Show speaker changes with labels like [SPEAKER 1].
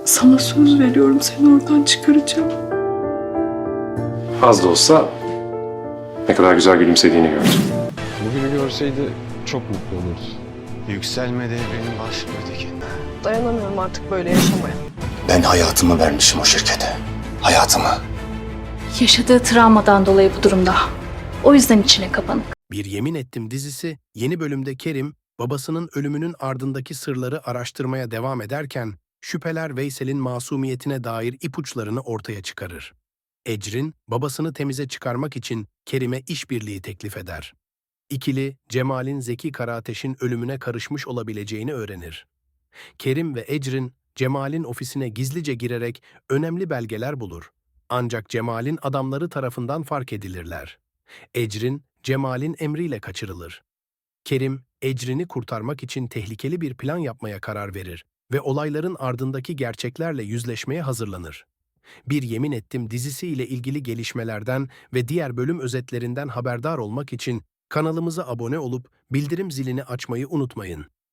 [SPEAKER 1] Sana söz veriyorum, seni oradan çıkaracağım.
[SPEAKER 2] Az da olsa ne kadar güzel gülümsediğini gördüm.
[SPEAKER 3] Bugünü görseydi çok mutlu olurdu.
[SPEAKER 4] Yükselme devrenin başlıyor Tekin.
[SPEAKER 1] Dayanamıyorum artık böyle yaşamaya.
[SPEAKER 4] Ben hayatımı vermişim o şirkete. Hayatımı.
[SPEAKER 5] Yaşadığı travmadan dolayı bu durumda. O yüzden içine kapanık.
[SPEAKER 6] Bir Yemin Ettim dizisi yeni bölümde Kerim, babasının ölümünün ardındaki sırları araştırmaya devam ederken, şüpheler Veysel'in masumiyetine dair ipuçlarını ortaya çıkarır. Ecrin, babasını temize çıkarmak için Kerim'e işbirliği teklif eder. İkili, Cemal'in Zeki Karateş'in ölümüne karışmış olabileceğini öğrenir. Kerim ve Ecrin, Cemal'in ofisine gizlice girerek önemli belgeler bulur. Ancak Cemal'in adamları tarafından fark edilirler. Ecrin, Cemal'in emriyle kaçırılır. Kerim, Ecrin'i kurtarmak için tehlikeli bir plan yapmaya karar verir ve olayların ardındaki gerçeklerle yüzleşmeye hazırlanır. Bir Yemin Ettim dizisi ile ilgili gelişmelerden ve diğer bölüm özetlerinden haberdar olmak için kanalımıza abone olup bildirim zilini açmayı unutmayın.